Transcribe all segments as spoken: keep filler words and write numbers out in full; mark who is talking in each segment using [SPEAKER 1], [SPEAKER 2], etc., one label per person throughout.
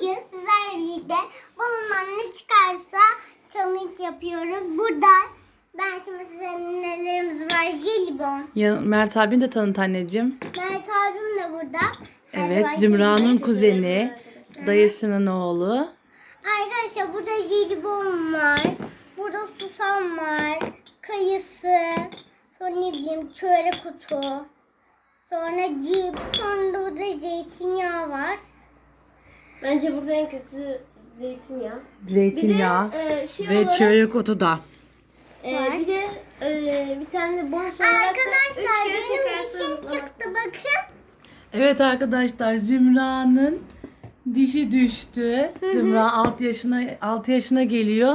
[SPEAKER 1] Bugün sizlerle birlikte balondan ne çıkarsa challenge yapıyoruz. Burada ben şimdi size nelerimiz var. Jelibon.
[SPEAKER 2] Ya, Mert abin de tanıt anneciğim.
[SPEAKER 1] Mert abim de burada. Her
[SPEAKER 2] Evet,
[SPEAKER 1] zaman
[SPEAKER 2] Zümra'nın
[SPEAKER 1] jelibon
[SPEAKER 2] kuzeni, dayısının oğlu.
[SPEAKER 1] Arkadaşlar burada jelibon var. Burada susam var. Kayısı. Sonra ne bileyim çörek otu. Sonra cips. Sonra burada zeytinyağı var.
[SPEAKER 3] Bence burada en kötü zeytinyağı.
[SPEAKER 2] Zeytinyağı
[SPEAKER 3] Bir de, e, şey
[SPEAKER 2] ve
[SPEAKER 3] olarak-
[SPEAKER 2] çörek otu da.
[SPEAKER 3] Ee, bir de e, bir tane de bonus olarak da
[SPEAKER 1] Arkadaşlar
[SPEAKER 3] üç kere
[SPEAKER 1] benim
[SPEAKER 3] tekrar
[SPEAKER 1] dişim
[SPEAKER 3] sarılma.
[SPEAKER 1] çıktı bakın.
[SPEAKER 2] Evet arkadaşlar, Zümra'nın dişi düştü. Zümra altı yaşına altı yaşına geliyor.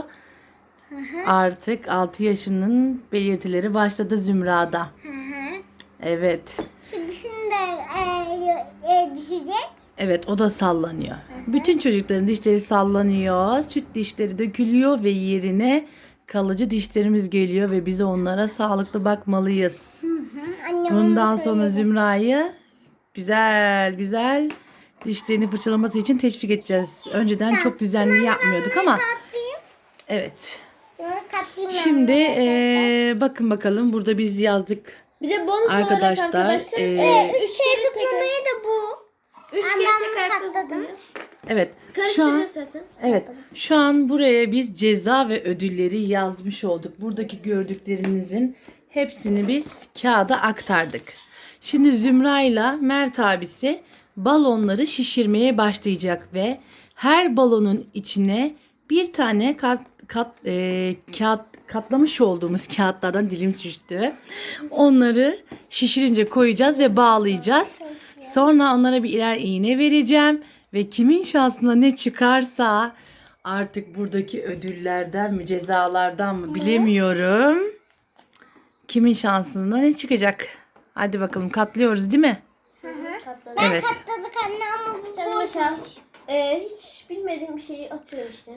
[SPEAKER 2] Artık altı yaşının belirtileri başladı Zümra'da.
[SPEAKER 1] Hı hı.
[SPEAKER 2] Evet.
[SPEAKER 1] Şu dişim de e, e, düşecek.
[SPEAKER 2] Evet, o da sallanıyor. Bütün çocukların dişleri sallanıyor. Süt dişleri dökülüyor ve yerine kalıcı dişlerimiz geliyor ve biz onlara sağlıklı bakmalıyız.
[SPEAKER 1] Hı hı. Annem
[SPEAKER 2] Bundan
[SPEAKER 1] onu
[SPEAKER 2] sonra
[SPEAKER 1] söyledi.
[SPEAKER 2] Zümra'yı güzel güzel dişlerini fırçalaması için teşvik edeceğiz. Önceden çok düzenli yapmıyorduk ama
[SPEAKER 1] Katlayayım.
[SPEAKER 2] evet.
[SPEAKER 1] Şunu katlayayım ben
[SPEAKER 2] Şimdi
[SPEAKER 1] de.
[SPEAKER 2] eee, bakın bakalım, burada biz yazdık.
[SPEAKER 3] Bir de bonus
[SPEAKER 2] Arkadaşlar,
[SPEAKER 3] olarak arkadaşlar
[SPEAKER 2] e,
[SPEAKER 3] e,
[SPEAKER 1] Üç
[SPEAKER 3] üç
[SPEAKER 1] şey
[SPEAKER 3] kere
[SPEAKER 1] tıklamayı
[SPEAKER 3] tekrar
[SPEAKER 1] da bu.
[SPEAKER 3] üç
[SPEAKER 1] Ben
[SPEAKER 3] kere
[SPEAKER 1] bunu
[SPEAKER 3] tekrar
[SPEAKER 1] katladım.
[SPEAKER 3] tıklayacağız.
[SPEAKER 2] Evet. Şu an
[SPEAKER 3] Karıştıracağız zaten.
[SPEAKER 2] Evet. Şu an buraya biz ceza ve ödülleri yazmış olduk. Buradaki gördüklerinizin hepsini biz kağıda aktardık. Şimdi Zümra ile Mert abisi balonları şişirmeye başlayacak ve her balonun içine bir tane kat, kat, e, kağıt katlamış olduğumuz kağıtlardan dilim düştü. Onları şişirince koyacağız ve bağlayacağız. Sonra onlara bir birer iğne vereceğim ve kimin şansına ne çıkarsa artık buradaki ödüllerden mi cezalardan mı bilemiyorum. Kimin şansına ne çıkacak? Hadi bakalım, katlıyoruz değil mi?
[SPEAKER 3] Katladım.
[SPEAKER 2] Evet.
[SPEAKER 1] Katladık anne ama bu
[SPEAKER 3] Sen mesela e, hiç bilmediğim bir şeyi atıyorum işte.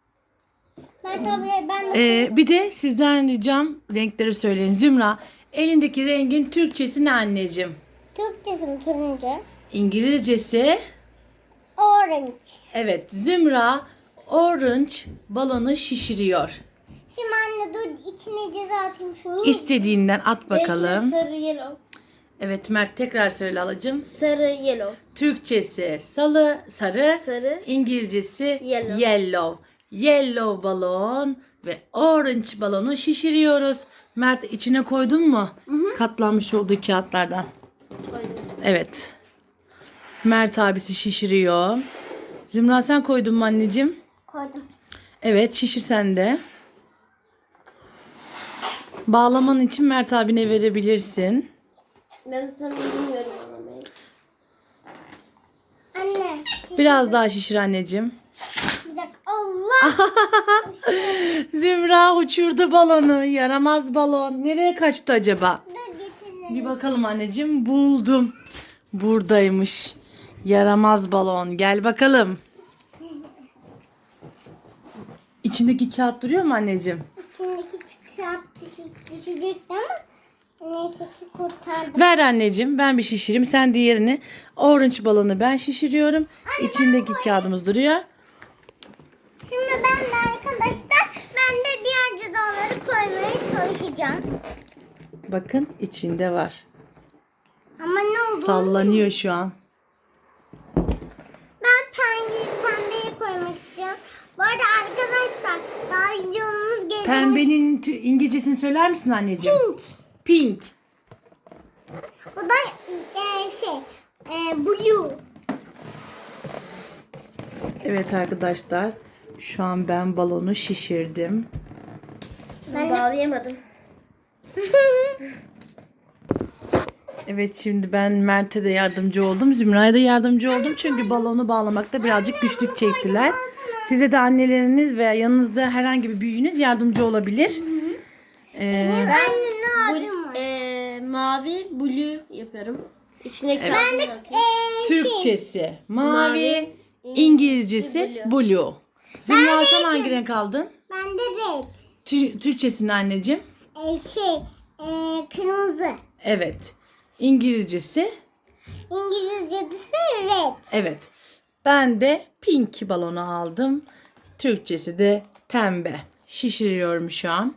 [SPEAKER 1] Ben tabii ben de
[SPEAKER 2] Ee, bir de sizden ricam renkleri söyleyin. Zümra, elindeki rengin Türkçesi ne anneciğim?
[SPEAKER 1] Türkçesim turuncu.
[SPEAKER 2] İngilizcesi?
[SPEAKER 1] Orange.
[SPEAKER 2] Evet, Zümra orange balonu şişiriyor.
[SPEAKER 1] Şimdi anne dur içine ceza atayım şunu.
[SPEAKER 2] İstediğinden at
[SPEAKER 3] Belki de
[SPEAKER 2] bakalım.
[SPEAKER 3] sarı yellow.
[SPEAKER 2] Evet Mert, tekrar söyle alacığım.
[SPEAKER 3] Sarı yellow.
[SPEAKER 2] Türkçesi salı, sarı,
[SPEAKER 3] Sarı.
[SPEAKER 2] İngilizcesi
[SPEAKER 3] Yellow.
[SPEAKER 2] yellow. Yellow balon ve orange balonu şişiriyoruz. Mert, içine koydun mu? Katlanmış olduğu kağıtlardan.
[SPEAKER 3] Koydum.
[SPEAKER 2] Evet. Mert abisi şişiriyor. Zümra, sen koydun mu anneciğim?
[SPEAKER 1] Koydum.
[SPEAKER 2] Evet, şişir sen de. Bağlaman için Mert abine verebilirsin.
[SPEAKER 3] Ben zaten bilmiyorum anlamayı.
[SPEAKER 1] Anne.
[SPEAKER 2] Biraz daha şişir anneciğim.
[SPEAKER 1] Bir dakika. Allah.
[SPEAKER 2] Zümra uçurdu balonu. Yaramaz balon. Nereye kaçtı acaba?
[SPEAKER 1] Dur getirin.
[SPEAKER 2] Bir bakalım anneciğim. Buldum. Buradaymış. Yaramaz balon. Gel bakalım. İçindeki kağıt duruyor mu anneciğim?
[SPEAKER 1] İçindeki kağıt düşü- düşecekti ama neyse ki kurtardım.
[SPEAKER 2] Ver anneciğim. Ben bir şişireyim. Sen diğerini. Orange balonu ben şişiriyorum. İçindeki kağıdımız duruyor.
[SPEAKER 1] Şimdi ben de arkadaşlar ben de diğer cezaları koymaya çalışacağım.
[SPEAKER 2] Bakın, içinde var.
[SPEAKER 1] Ama ne oldu?
[SPEAKER 2] Sallanıyor şu an.
[SPEAKER 1] Ben pembeyi, pembeyi koymak istiyorum. Bu arada arkadaşlar daha videomuz gelecek.
[SPEAKER 2] Pembenin tü- İngilizcesini söyler misin anneciğim?
[SPEAKER 1] Pink.
[SPEAKER 2] Pink.
[SPEAKER 1] Bu da e, şey e, blue.
[SPEAKER 2] Evet arkadaşlar. Şu an ben balonu şişirdim.
[SPEAKER 3] Ben bağlayamadım.
[SPEAKER 2] Evet, şimdi ben Mert'e de yardımcı oldum. Zümra'ya da yardımcı oldum. Çünkü balonu bağlamakta birazcık güçlük çektiler. Size de anneleriniz veya yanınızda herhangi bir büyüğünüz yardımcı olabilir. Ee,
[SPEAKER 1] Anne ne
[SPEAKER 3] Bu,
[SPEAKER 1] abim var?
[SPEAKER 3] e, mavi blue yapıyorum. İçine
[SPEAKER 1] Ben de
[SPEAKER 3] kağıdını atayım.
[SPEAKER 1] e, şey,
[SPEAKER 2] Türkçesi mavi,
[SPEAKER 3] Mavi,
[SPEAKER 2] İngilizcesi
[SPEAKER 3] blue.
[SPEAKER 2] blue. Zümra, sen hangi renk aldın?
[SPEAKER 1] ben de red.
[SPEAKER 2] Tü- Türkçesini anneciğim.
[SPEAKER 1] E, şey e, kırmızı.
[SPEAKER 2] Evet. İngilizcesi.
[SPEAKER 1] İngilizcesi red.
[SPEAKER 2] Evet. Ben de pink balonu aldım. Türkçesi de pembe. Şişiriyorum şu an.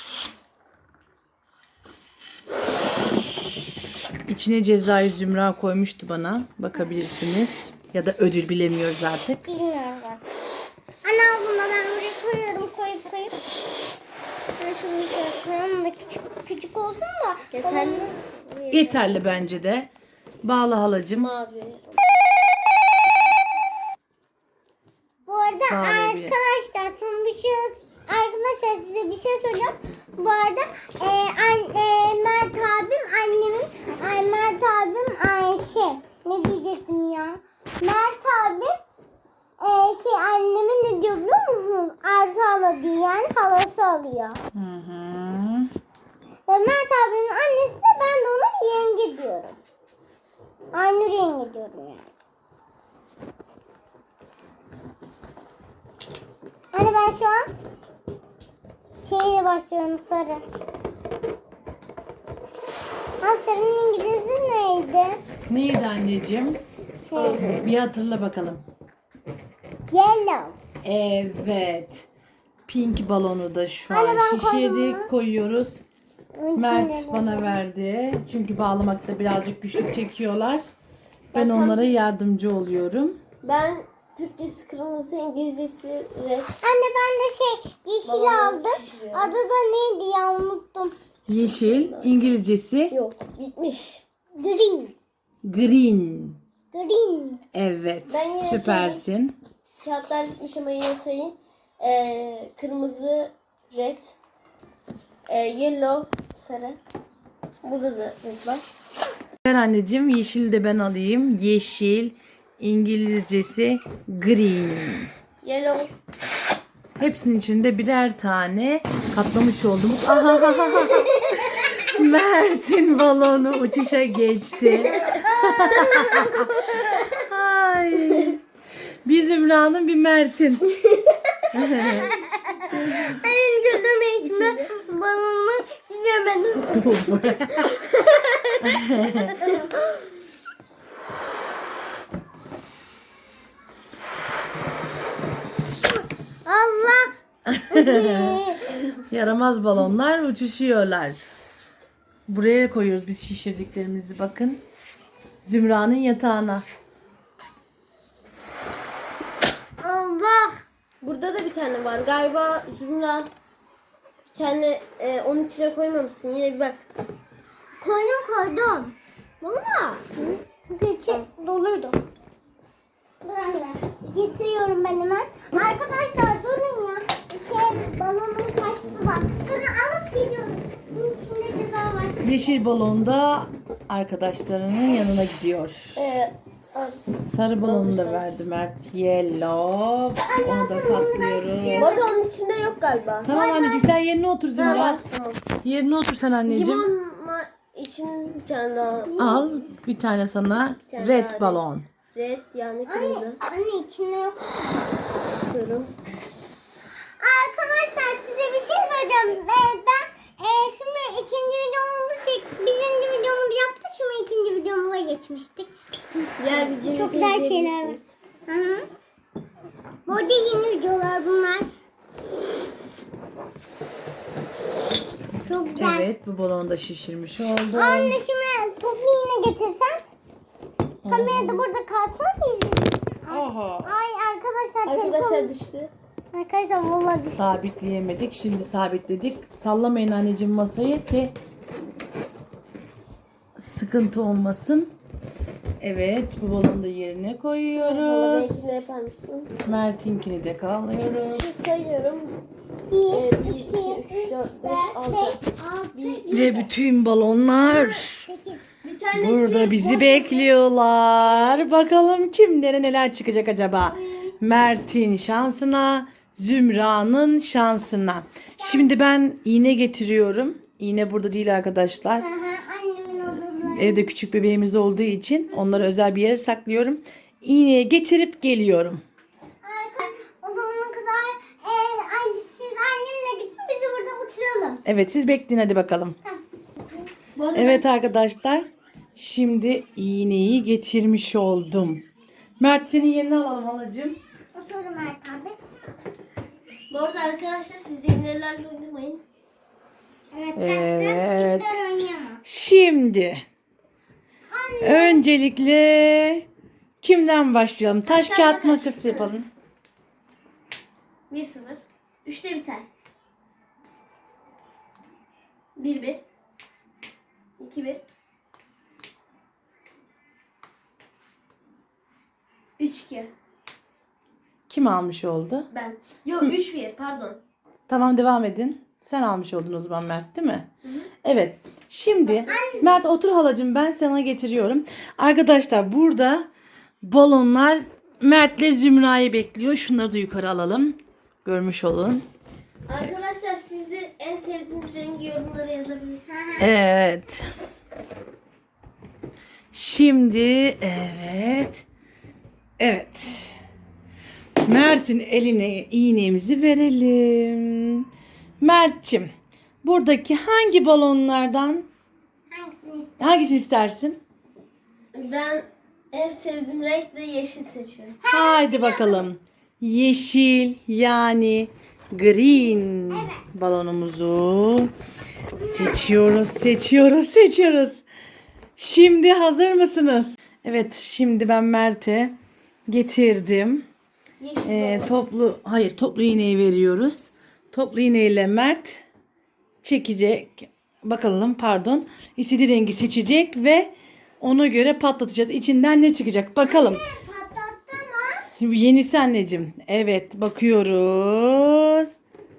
[SPEAKER 2] İçine cezayı Zümra koymuştu bana. Bakabilirsiniz. Ya da ödül bilemiyoruz artık.
[SPEAKER 1] Bilmiyorum ben. Ana bunda ben buraya koyuyorum koyup koyup. Ben şunu şöyle koyalım da küçük küçük olsun da.
[SPEAKER 3] Yeterli.
[SPEAKER 2] Yeterli bence de. Bağla halacığım.
[SPEAKER 3] Mavi.
[SPEAKER 1] Bu arada
[SPEAKER 2] Bağlayabilirim.
[SPEAKER 1] arkadaşlar son bir şey arkadaşlar size bir şey söyleyeceğim. Bu arada e, an, e, Mert abim annemin ay, Mert abim Ayşe ne diyecektim ya? Mert abim e, şey annemin ne diyor biliyor musunuz? Arzu hala diyor yani halası alıyor.
[SPEAKER 2] Hı hı.
[SPEAKER 1] Ve Mert abimin annesi de ben de ona yenge diyorum. Aynur yenge diyorum yani. Hani ben şu an şeyle başlıyorum sarı. Ha sarının İngilizce neydi?
[SPEAKER 2] Neydi anneciğim?
[SPEAKER 1] Şey,
[SPEAKER 2] Bir hatırla bakalım.
[SPEAKER 1] yellow.
[SPEAKER 2] Evet. Pink balonu da şu
[SPEAKER 1] Anne,
[SPEAKER 2] an
[SPEAKER 1] ben koydum
[SPEAKER 2] şişirdik.
[SPEAKER 1] mu?
[SPEAKER 2] Koyuyoruz.
[SPEAKER 1] Onun
[SPEAKER 2] Mert
[SPEAKER 1] içinde
[SPEAKER 2] bana
[SPEAKER 1] ne?
[SPEAKER 2] verdi. Çünkü bağlamakta birazcık güçlük çekiyorlar. Ben
[SPEAKER 3] Zaten-
[SPEAKER 2] onlara yardımcı oluyorum.
[SPEAKER 3] Ben Türkçesi kırmızı, İngilizcesi red.
[SPEAKER 1] Anne ben de şey yeşil
[SPEAKER 3] Balonu
[SPEAKER 1] aldım.
[SPEAKER 3] şişiriyorum.
[SPEAKER 1] Adı da neydi ya unuttum.
[SPEAKER 2] Yeşil, İngilizcesi
[SPEAKER 3] Yok, bitmiş.
[SPEAKER 1] Green.
[SPEAKER 2] green.
[SPEAKER 1] Green.
[SPEAKER 2] Evet,
[SPEAKER 3] Ben yine
[SPEAKER 2] süpersin.
[SPEAKER 3] Kağıtlar bitmiş ama yine sayayım. Ee, kırmızı, red. Ee, yellow, sarı. Burada da red var.
[SPEAKER 2] Ver anneciğim, yeşil de ben alayım. Yeşil, İngilizcesi green.
[SPEAKER 3] Yellow.
[SPEAKER 2] Hepsinin içinde birer tane katlamış oldum. Ahahaha. Mert'in balonu uçuşa geçti. Ay. Bir Zümra'nın bir Mert'in.
[SPEAKER 1] Senin gözüme içme balonu izlemedim. Allah.
[SPEAKER 2] Yaramaz balonlar uçuşuyorlar. Buraya koyuyoruz biz şişirdiklerimizi bakın. Zümra'nın yatağına.
[SPEAKER 1] Allah.
[SPEAKER 3] Burada da bir tane var. Galiba Zümra bir tane e, onun içine koymamışsın. Yine bir bak.
[SPEAKER 1] Koydum koydum. Valla. Çünkü içi doluydu. Dur anne. Getiriyorum ben hemen. Arkadaşlar durun ya. Şey balonum kaçtı da. Durun alıp geliyorum. Bunun içinde ceza var.
[SPEAKER 2] Yeşil balon da arkadaşlarının yanına gidiyor.
[SPEAKER 3] E,
[SPEAKER 2] Sarı balonu da verdi Mert. Yellow. Onu da katlıyoruz.
[SPEAKER 3] bu arada onun içinde yok galiba.
[SPEAKER 2] Tamam anneciğim sen yerine otur
[SPEAKER 3] Ha,
[SPEAKER 2] Zümra.
[SPEAKER 3] var, tamam.
[SPEAKER 2] Yerine otur sen anneciğim.
[SPEAKER 3] Limonla için bir tane daha.
[SPEAKER 2] Al bir tane sana
[SPEAKER 3] tane
[SPEAKER 2] red
[SPEAKER 3] daha
[SPEAKER 2] balon.
[SPEAKER 3] Red yani
[SPEAKER 1] Anne,
[SPEAKER 3] kırmızı.
[SPEAKER 1] anne içinde yok.
[SPEAKER 3] Koyuyorum.
[SPEAKER 1] Arkadaşlar size bir şey söyleyeceğim. Ben, ben e, şimdi ikinci videomuzu çek, birinci videomuzu yaptık. Şimdi ikinci videomuza geçmiştik.
[SPEAKER 3] Diğer videoyu
[SPEAKER 1] Çok güzel şeyler var.
[SPEAKER 3] izleyebilirsiniz.
[SPEAKER 1] Hı hı. Bu arada yeni videolar bunlar. Çok güzel.
[SPEAKER 2] Evet bu balonu da şişirmiş oldum.
[SPEAKER 1] Anne şimdi topu yine getirsen. Kamera da burada kalsın izleyelim.
[SPEAKER 2] Oha.
[SPEAKER 1] Ay arkadaşlar
[SPEAKER 3] Arkadaşlar
[SPEAKER 1] telefon.
[SPEAKER 3] düştü.
[SPEAKER 1] Arkadaşlar vallahi düştü.
[SPEAKER 2] Sabitleyemedik. Şimdi sabitledik. Sallamayın anneciğim masayı ki sıkıntı olmasın. Evet bu balonu da yerine
[SPEAKER 3] Valla
[SPEAKER 2] koyuyoruz.
[SPEAKER 3] belki ne yapar mısın?
[SPEAKER 2] Mert'inkini de kalıyoruz.
[SPEAKER 3] Şimdi sayıyorum.
[SPEAKER 1] Bir,
[SPEAKER 3] Ee, bir,
[SPEAKER 1] iki,
[SPEAKER 3] iki, üç, dört, beş, altı.
[SPEAKER 1] altı,
[SPEAKER 2] Ve bütün balonlar
[SPEAKER 1] sekiz.
[SPEAKER 3] Bir tanesi
[SPEAKER 2] burada bizi bekliyorlar. Bakalım kimlere neler çıkacak acaba? Mert'in şansına, Zümra'nın şansına. Şimdi ben iğne getiriyorum. İğne burada değil arkadaşlar.
[SPEAKER 1] Aha, annemin odası.
[SPEAKER 2] Evde küçük bebeğimiz olduğu için onları özel bir yere saklıyorum. İğneyi getirip geliyorum.
[SPEAKER 1] Arkadaşlar o zamana kadar e, ay, siz annemle gidin bizi burada oturalım.
[SPEAKER 2] Evet siz bekleyin hadi bakalım.
[SPEAKER 1] Tamam.
[SPEAKER 3] Bu arada
[SPEAKER 2] Evet arkadaşlar. Şimdi iğneyi getirmiş oldum. Mert senin yerine alalım halacığım.
[SPEAKER 1] Otur Mert abi.
[SPEAKER 3] Bu arada arkadaşlar siz de iğnelerle oynamayın.
[SPEAKER 1] Evet.
[SPEAKER 2] Evet.
[SPEAKER 1] Kimler oynayamaz.
[SPEAKER 2] Şimdi öncelikle kimden başlayalım? Taş
[SPEAKER 3] Taş,
[SPEAKER 2] kağıt
[SPEAKER 3] kağıt,
[SPEAKER 2] makas
[SPEAKER 3] makas.
[SPEAKER 2] yapalım.
[SPEAKER 3] bir sıfır. üçte biter. bir bir. iki bir. üç iki.
[SPEAKER 2] Kim almış oldu?
[SPEAKER 3] Ben. Yok üç bir pardon.
[SPEAKER 2] Tamam devam edin. Sen almış oldun o zaman Mert değil mi? Evet. Şimdi Mert otur halacığım, ben sana getiriyorum. Arkadaşlar burada balonlar Mert'le Zümra'yı bekliyor. Şunları da yukarı alalım. Görmüş olun.
[SPEAKER 3] Arkadaşlar siz de en sevdiğiniz rengi yorumlara yazabilirsiniz.
[SPEAKER 2] Evet. Şimdi evet. Evet. Mert'in eline iğnemizi verelim. Mert'cim, buradaki hangi balonlardan
[SPEAKER 1] Hangisini istiyorsun?
[SPEAKER 2] hangisini istersin?
[SPEAKER 3] Ben en sevdiğim renk de yeşil seçiyorum.
[SPEAKER 2] Haydi bakalım. Yeşil yani green balonumuzu seçiyoruz, seçiyoruz, seçiyoruz. Şimdi hazır mısınız? Evet, şimdi ben Mert'e getirdim.
[SPEAKER 3] Yeşil
[SPEAKER 2] Ee,
[SPEAKER 3] balon.
[SPEAKER 2] toplu, hayır toplu iğneyi veriyoruz. Toplu iğneyle Mert çekecek. Bakalım pardon. İstediği rengi seçecek ve ona göre patlatacağız. İçinden ne çıkacak? Bakalım.
[SPEAKER 1] Patlattı mı?
[SPEAKER 2] Şimdi yenisi anneciğim. Evet bakıyoruz.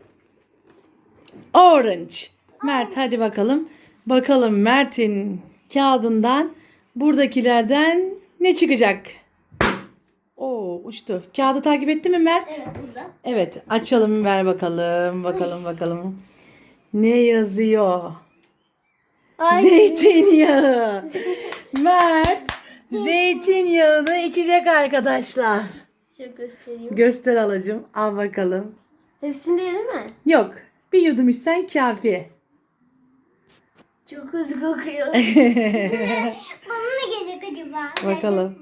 [SPEAKER 2] Orange. Mert hadi bakalım. Bakalım Mert'in kağıdından buradakilerden ne çıkacak? Oo uçtu. Kağıdı takip etti mi Mert?
[SPEAKER 3] Evet burada.
[SPEAKER 2] Evet açalım, ver bakalım. Bakalım bakalım. Ne yazıyor?
[SPEAKER 3] Ay.
[SPEAKER 2] Zeytinyağı. Mert zeytinyağını içecek arkadaşlar.
[SPEAKER 3] Şöyle göstereyim.
[SPEAKER 2] Göster alacığım. Al bakalım.
[SPEAKER 3] Hepsinde değil mi?
[SPEAKER 2] Yok. Bir yudum içsen kafi.
[SPEAKER 3] Çok hızlı kokuyor.
[SPEAKER 1] Bana ne gelecek acaba?
[SPEAKER 2] Bakalım.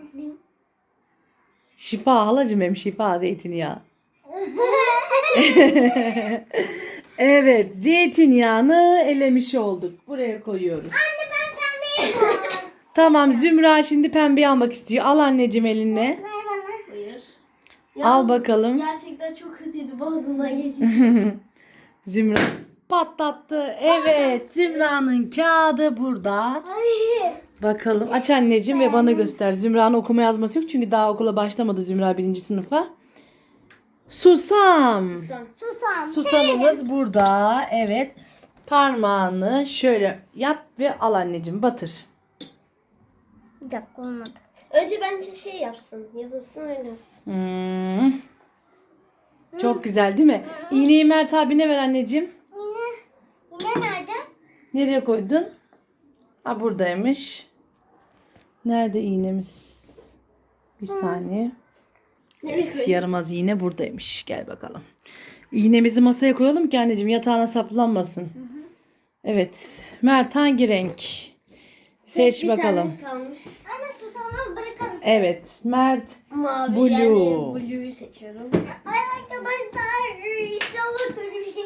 [SPEAKER 2] Şifa halacığım, hem şifa zeytinyağı. Evet, zeytinyağını elemiş olduk. Buraya koyuyoruz.
[SPEAKER 1] Anne ben pembeyi koydum.
[SPEAKER 2] Tamam, Zümra şimdi pembeyi almak istiyor. Al anneciğim eline.
[SPEAKER 1] Ver bana.
[SPEAKER 3] Buyur.
[SPEAKER 2] Al
[SPEAKER 3] Yalnız
[SPEAKER 2] bakalım.
[SPEAKER 3] Gerçekten çok kötüydü boğazımdan geçiş.
[SPEAKER 2] Zümra patlattı. Evet, Zümra'nın kağıdı burada.
[SPEAKER 1] Ay.
[SPEAKER 2] Bakalım. Aç anneciğim ve bana göster. Zümra'nın okuma yazması yok çünkü daha okula başlamadı Zümra birinci sınıfa. Susam.
[SPEAKER 3] Susam.
[SPEAKER 1] Susam.
[SPEAKER 2] Susamımız burada. Evet. Parmağını şöyle yap ve al anneciğim. Batır.
[SPEAKER 1] Bir dakika olmadı.
[SPEAKER 3] Önce bence şey yapsın. Yazılsın öyle yapsın.
[SPEAKER 2] Hmm. Çok güzel değil mi? İğneyi Mert abine ver anneciğim.
[SPEAKER 1] Yine, yine nerede?
[SPEAKER 2] Nereye koydun? Ha buradaymış. Nerede iğnemiz? Bir saniye.
[SPEAKER 3] Nereye
[SPEAKER 2] Evet,
[SPEAKER 3] koydun?
[SPEAKER 2] yaramaz iğne buradaymış. Gel bakalım. İğnemizi masaya koyalım ki anneciğim yatağına saplanmasın. Evet. Mert hangi renk? Seç
[SPEAKER 3] Bir
[SPEAKER 2] bakalım.
[SPEAKER 3] tane kalmış.
[SPEAKER 1] Anne susamı bırakalım.
[SPEAKER 2] Evet. Mert.
[SPEAKER 3] Mavi
[SPEAKER 2] Blue.
[SPEAKER 3] yani Blue'yu seçiyorum.
[SPEAKER 1] Ay arkadaşlar inşallah kötü bir şey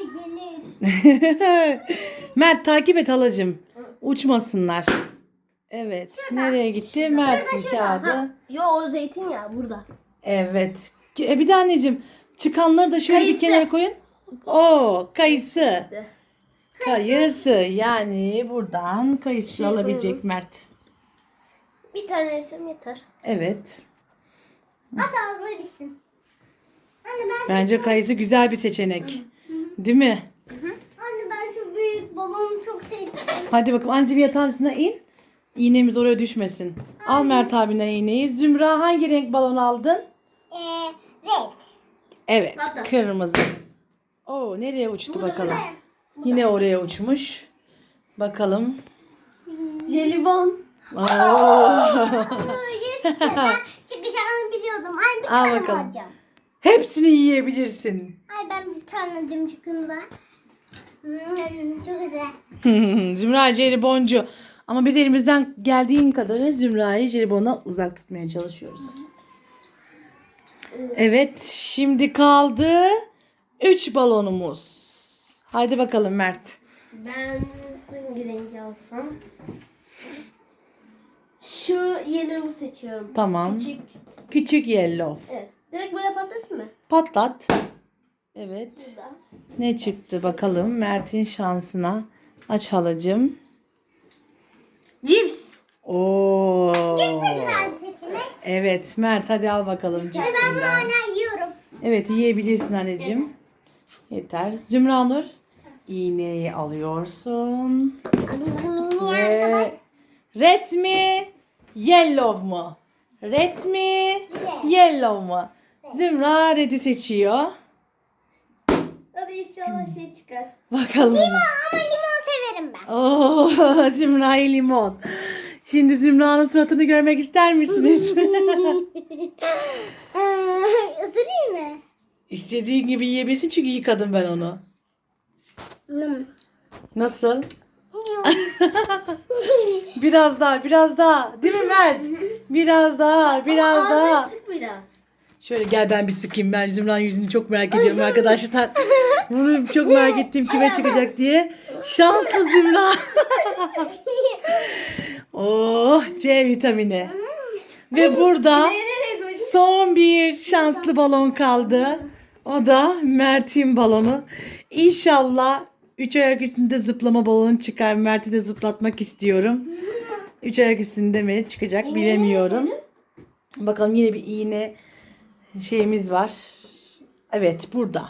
[SPEAKER 1] gelir.
[SPEAKER 2] Mert takip et halacığım. Uçmasınlar. Evet. Nereye gitti? Mert'in kağıdı.
[SPEAKER 3] Yo o zeytinyağı burada.
[SPEAKER 2] Evet. E, bir de anneciğim çıkanları da şöyle bir
[SPEAKER 3] Kayısı.
[SPEAKER 2] kenara koyun. Oo, kayısı. Kayısı. Yani buradan kayısı
[SPEAKER 3] Şey
[SPEAKER 2] alabilecek
[SPEAKER 3] koyalım.
[SPEAKER 2] Mert.
[SPEAKER 3] Bir tane yesem yeter.
[SPEAKER 2] Evet.
[SPEAKER 1] At ağzına bitsin. Anne ben
[SPEAKER 2] Bence kayısı güzel bir seçenek. Değil mi?
[SPEAKER 1] Anne ben şu büyük babamı çok sevdim.
[SPEAKER 2] Hadi bakalım anneciğim yatağın üstüne in. İğnemiz oraya düşmesin. Al Mert abine iğneyi. Zümra hangi renk balon aldın?
[SPEAKER 1] Eee renk.
[SPEAKER 2] Evet.
[SPEAKER 3] Hatta.
[SPEAKER 2] Kırmızı. Oo, nereye uçtu bakalım. Yine oraya uçmuş. Bakalım.
[SPEAKER 3] Jelibon.
[SPEAKER 2] Oo.
[SPEAKER 1] Yes, ben çıkacağını biliyordum. Ay bir
[SPEAKER 2] Al
[SPEAKER 1] tane
[SPEAKER 2] bakalım.
[SPEAKER 1] alacağım.
[SPEAKER 2] Hepsini yiyebilirsin.
[SPEAKER 1] Ay ben bir tane alacağım çıkımda. Hmm, çok güzel.
[SPEAKER 2] Zümra jeliboncu. Ama biz elimizden geldiğin kadarıyla Zümra'yı jelibona uzak tutmaya çalışıyoruz. Evet, şimdi kaldı üç balonumuz. Haydi bakalım Mert.
[SPEAKER 3] Ben hangi rengi alsam? Şu yellow'u seçiyorum.
[SPEAKER 2] Tamam.
[SPEAKER 3] Küçük.
[SPEAKER 2] Küçük yellow.
[SPEAKER 3] Evet. Direkt böyle patlatayım mı?
[SPEAKER 2] Patlat. Evet.
[SPEAKER 3] Burada.
[SPEAKER 2] Ne çıktı bakalım Mert'in şansına. Aç halacığım.
[SPEAKER 3] Cips.
[SPEAKER 2] Oo.
[SPEAKER 1] Güzel bir seçenek.
[SPEAKER 2] Evet Mert hadi al bakalım
[SPEAKER 1] Ve ben bunu
[SPEAKER 2] cipsinden.
[SPEAKER 1] hala yiyorum.
[SPEAKER 2] Evet yiyebilirsin anneciğim. Yeter. Zümra Nur. İğneyi alıyorsun.
[SPEAKER 1] Alıyorum mini arkadaş.
[SPEAKER 2] Ve red mi? Yellow mu? Red mi?
[SPEAKER 1] Red.
[SPEAKER 2] Yellow mu? Zümra red'i seçiyor.
[SPEAKER 3] Hadi inşallah şey çıkar.
[SPEAKER 2] Bakalım.
[SPEAKER 1] Ama limon severim ben.
[SPEAKER 2] Oo, Zümra'yı limon. Şimdi Zümra'nın suratını görmek ister misiniz?
[SPEAKER 1] Isırayım mı?
[SPEAKER 2] İstediğin gibi yiyebilirsin çünkü yıkadım ben onu.
[SPEAKER 1] Hmm.
[SPEAKER 2] Nasıl? Biraz daha, biraz daha. Değil mi Mert? Biraz daha, biraz
[SPEAKER 3] Ağzını
[SPEAKER 2] daha.
[SPEAKER 3] sık biraz.
[SPEAKER 2] Şöyle gel ben bir sıkayım. Ben Zümra'nın yüzünü çok merak ediyorum arkadaşlar. Bunu çok merak ettiğim kime çıkacak diye. Şanslı Zümra. Oh C vitamini. Ve burada
[SPEAKER 3] Nereye koydun?
[SPEAKER 2] son bir şanslı balon kaldı. O da Mert'in balonu. İnşallah üç ayak üstünde zıplama balonu çıkar. Mert'i de zıplatmak istiyorum. Üç ayak üstünde mi çıkacak bilemiyorum. Bakalım yine bir iğne şeyimiz var. Evet burada.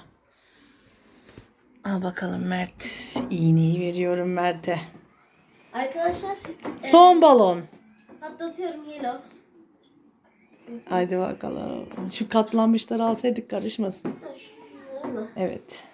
[SPEAKER 2] Al bakalım Mert. İğneyi veriyorum Mert'e.
[SPEAKER 3] Arkadaşlar
[SPEAKER 2] Son balon.
[SPEAKER 3] patlatıyorum yellow.
[SPEAKER 2] Haydi bakalım. Şu katlanmışları alsaydık karışmasın.
[SPEAKER 3] Ha, şunları mı?
[SPEAKER 2] Evet.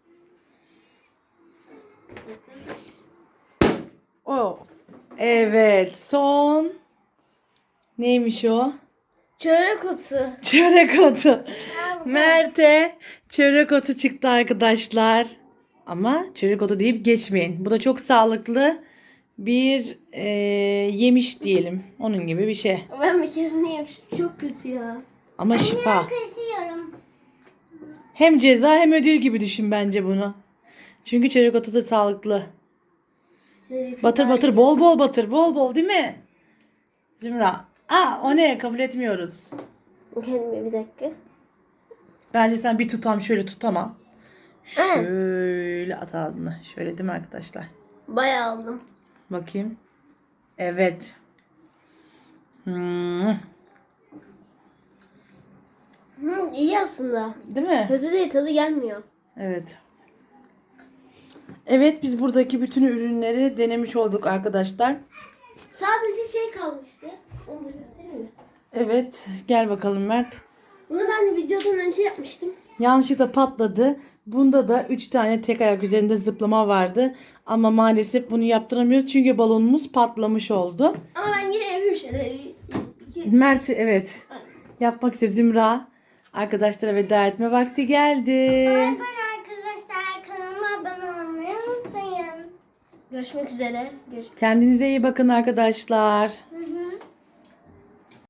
[SPEAKER 2] O. Evet. Son. Neymiş o?
[SPEAKER 3] Çörek otu.
[SPEAKER 2] Çörek otu. Mert'e çörek otu çıktı arkadaşlar. Ama çörek otu deyip geçmeyin. Bu da çok sağlıklı bir e, yemiş diyelim. Onun gibi bir şey.
[SPEAKER 3] Ben bir kere ne yemişim? Çok kötü ya.
[SPEAKER 2] Ama şifa.
[SPEAKER 1] Kesiyorum.
[SPEAKER 2] Hem ceza hem ödül gibi düşün bence bunu. Çünkü çörek otu da sağlıklı.
[SPEAKER 3] Şöyle
[SPEAKER 2] Batır batır bol bol batır. Bol bol değil mi? Zümra. Aa o ne? Kabul etmiyoruz.
[SPEAKER 3] Kendime bir dakika.
[SPEAKER 2] Bence sen bir tutam şöyle tutamam.
[SPEAKER 3] Evet.
[SPEAKER 2] Şöyle at ağzına. Şöyle değil mi arkadaşlar?
[SPEAKER 3] Bayağı aldım.
[SPEAKER 2] Bakayım. Evet. Hmm.
[SPEAKER 3] Hı, iyi aslında.
[SPEAKER 2] Değil mi?
[SPEAKER 3] Kötü değil, tadı gelmiyor.
[SPEAKER 2] Evet. Evet biz buradaki bütün ürünleri denemiş olduk arkadaşlar.
[SPEAKER 3] Sadece şey kalmıştı. Onu da göstereyim mi?
[SPEAKER 2] Evet. Gel bakalım Mert.
[SPEAKER 3] Bunu ben videodan önce yapmıştım.
[SPEAKER 2] Yanlışlıkla patladı. Bunda da üç tane tek ayak üzerinde zıplama vardı. Ama maalesef bunu yaptıramıyoruz çünkü balonumuz patlamış oldu.
[SPEAKER 3] Ama ben yine yapıyorum şöyle. İki...
[SPEAKER 2] Mert evet. Yapmak üzere Zümra. Arkadaşlara veda etme vakti geldi.
[SPEAKER 1] Ben arkadaşlar kanalıma abone olmayı unutmayın.
[SPEAKER 3] Görüşmek üzere. Görüşmek
[SPEAKER 2] Kendinize iyi bakın arkadaşlar.